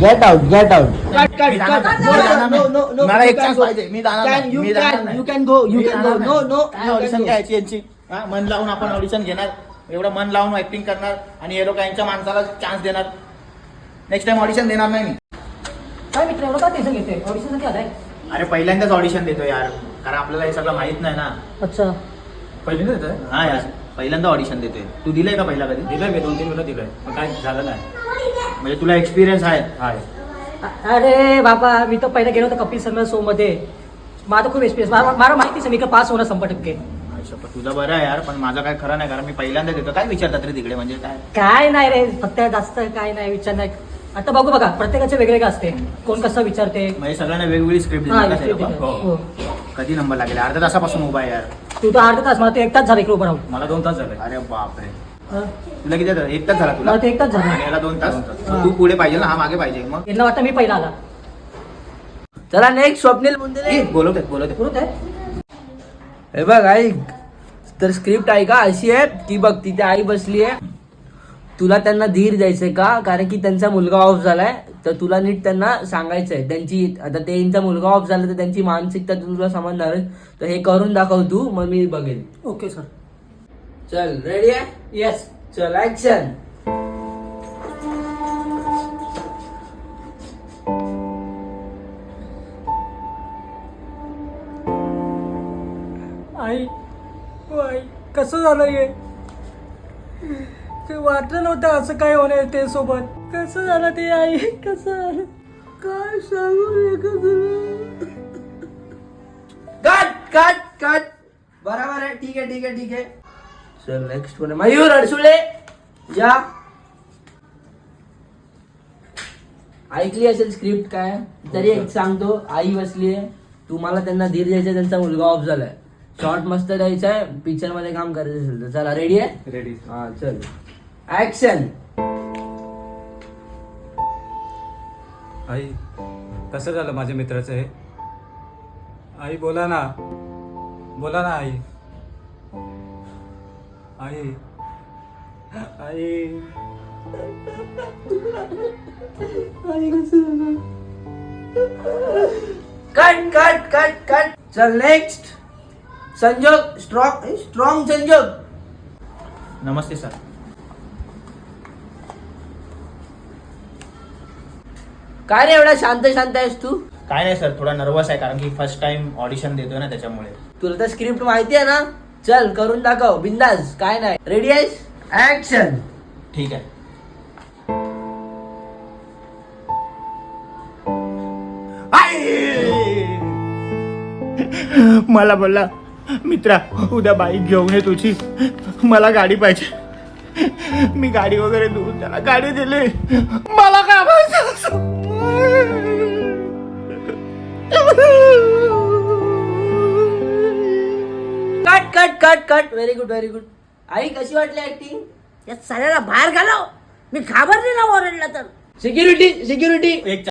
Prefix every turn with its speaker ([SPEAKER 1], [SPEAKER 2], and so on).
[SPEAKER 1] Get out
[SPEAKER 2] मला एक chance पाहिजे. मी जाणार
[SPEAKER 1] you can go no
[SPEAKER 2] audition घ्यायची यांची. मन लावून आपण ऑडिशन घेणार, एवढं मन लावून ऍक्टिंग करणार आणि हे लोक यांच्या माणसाला चान्स देणार. नेक्स्ट टाइम ऑडिशन देणार नाही मी.
[SPEAKER 3] काय मित्र एवढं का टेन्शन घेते? ऑडिशन साठी आलाय?
[SPEAKER 2] अरे पहिल्यांदाच ऑडिशन देतो यार, कारण आपल्याला हे सगळं माहित नाही ना.
[SPEAKER 3] अच्छा,
[SPEAKER 4] पहिल्यांदा देतोय?
[SPEAKER 2] हा यार, पहिल्यांदा ऑडिशन देतोय. तू दिलंय का पहिला कधी?
[SPEAKER 4] दिलंय मी 2-3 वेळा दिलंय, पण काय झालं नाही.
[SPEAKER 2] म्हणजे तुला एक्सपिरियन्स आहे?
[SPEAKER 4] हाय.
[SPEAKER 3] अरे बाबा, मी तर पहिला गेलो होतो कपिल शर्मा शो मध्ये. माझा खूप एक्सपिरियन्स, मला माहितीच मी का पास होणार 100%.
[SPEAKER 2] तुझं बरं आहे यार, पण माझं काय खरं नाही, कारण मी पहिल्यांदा देतो. काय विचारतात रे तिकडे, म्हणजे काय?
[SPEAKER 3] काय नाही रे, फक्त जास्त काय नाही विचार नाही. आता बघू बघा, प्रत्येकाचे वेगवेगळे असते, कोण कसं विचारते.
[SPEAKER 2] म्हणजे सगळ्यांना वेगवेगळी स्क्रिप्ट
[SPEAKER 3] हा,
[SPEAKER 2] दिली का ते
[SPEAKER 3] script
[SPEAKER 2] लोकं?
[SPEAKER 3] देते. हो.
[SPEAKER 2] कधी नंबर लागेल? अर्ध्या तासापासून उभा आहे यार.
[SPEAKER 3] तू तर अर्धा तास, मला ते 1 तास झाला इकडे उभं राहून.
[SPEAKER 4] मला 2 तास झाले.
[SPEAKER 2] अरे बापरे,
[SPEAKER 3] हा.
[SPEAKER 2] तुला किती झालं? 1 तास झाला तुला?
[SPEAKER 3] मला ते 1 तास झाला.
[SPEAKER 2] आणि याला 2 तास?
[SPEAKER 3] हा.
[SPEAKER 2] तू पुढे पाहिजे ना, हा मागे पाहिजे. मग
[SPEAKER 3] यांना वाटतं मी पहिला आला.
[SPEAKER 1] चला नेक्स्ट स्वप्नील मुंदे.
[SPEAKER 2] बोलवते.
[SPEAKER 3] बरोबर आहे.
[SPEAKER 1] हे बघ ऐक, तर स्क्रिप्ट आहे का अशी आहे की बघ, तिथे आई बसली आहे, तुला त्यांना धीर द्यायचंय का, कारण की त्यांचा मुलगा ऑफ झालाय, तर तुला नीट त्यांना सांगायचंय. त्यांची आता त्यांचा मुलगा ऑफ झाला तर त्यांची मानसिकता तुला समजणार, तर हे करून दाखव तू, मग मी बघेन.
[SPEAKER 3] Okay sir.
[SPEAKER 1] चल रेडी आहे?
[SPEAKER 3] येस.
[SPEAKER 1] चल ऍक्शन.
[SPEAKER 3] आई, ओ आई, कसं झालं हे? ते वाटलं नव्हतं असं काय होणार ते सोबत. कसं झालं ते आई, कसं झालं?
[SPEAKER 1] काय सांगू कट. बरोबर आहे, ठीक आहे. चल नेक्स्ट वन मयूर अडसुळे. या ऐकली असेल स्क्रिप्ट काय, तरी एक सांगतो. आई बसली आहे, तुम्हाला त्यांना धीर द्यायचा, त्यांचा मुलगा ऑफ झालाय, शॉर्ट मस्त द्यायचा आहे, पिक्चर मध्ये काम करायचं असेल तर. चला रेडी आहे?
[SPEAKER 4] रेडी.
[SPEAKER 1] हा चल ऍक्शन.
[SPEAKER 4] आई, कसं झालं माझ्या मित्राचं हे? आई बोला ना आई. आई
[SPEAKER 1] कट. चल नेक्स्ट संजोग. स्ट्रॉंग संजोग.
[SPEAKER 2] नमस्ते सर.
[SPEAKER 1] काय रे एवढा शांत आहेस तू?
[SPEAKER 2] काय नाही सर, थोडा नर्वस आहे, कारण की फर्स्ट टाइम ऑडिशन देतोय ना, त्याच्यामुळे.
[SPEAKER 1] तुला तर स्क्रिप्ट माहिती आहे ना, चल करून दाखव बिंदास. काय नाही, रेडी आहेस? ऍक्शन.
[SPEAKER 2] ठीक आहे. मला बोलला, मित्रा उद्या बाईक घेऊन ये तुझी, मला गाडी पाहिजे. मी गाडी वगैरे देऊन त्याला गाडी दिली. मला काय माहिती.
[SPEAKER 1] कट. Very good. आई कशी वाटली ऍक्टिंग?
[SPEAKER 5] या सगळ्याला बाहेर घालव. मी घाबरले ना ओरडला तर.
[SPEAKER 1] सिक्युरिटी.
[SPEAKER 2] एक